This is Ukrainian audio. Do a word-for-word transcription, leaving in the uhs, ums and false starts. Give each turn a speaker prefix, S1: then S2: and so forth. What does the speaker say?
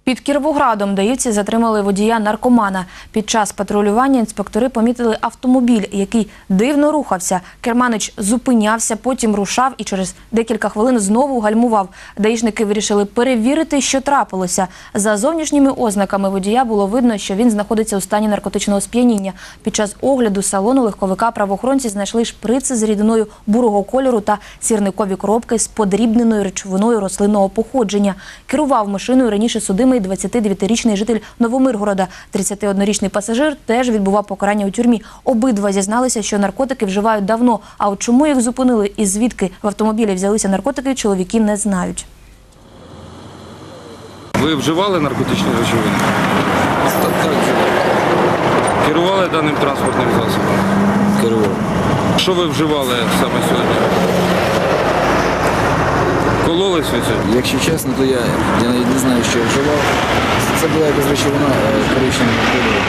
S1: Під Кіровоградом даївці затримали водія-наркомана. Під час патрулювання інспектори помітили автомобіль, який дивно рухався. Керманич зупинявся, потім рушав і через декілька хвилин знову гальмував. Даїшники вирішили перевірити, що трапилося. За зовнішніми ознаками водія було видно, що він знаходиться у стані наркотичного сп'яніння. Під час огляду салону легковика правоохоронці знайшли шприци з рідиною бурого кольору та сірникові коробки з подрібненою речовиною рослинного походження. Керував машиною раніше судимий двадцятидев'ятирічний житель Новомиргорода. тридцятиоднорічний пасажир теж відбував покарання у тюрмі. Обидва зізналися, що наркотики вживають давно. А от чому їх зупинили і звідки в автомобілі взялися наркотики, чоловіки не знають.
S2: Ви вживали наркотичні речовини?
S3: Так, так,
S2: Керували даним транспортним засобом?
S3: керував.
S2: Що ви вживали саме сьогодні? Кололись ви це?
S3: Якщо чесно, то я, я навіть не знаю, що я вживав. Це була якась речовина коричневого кольору.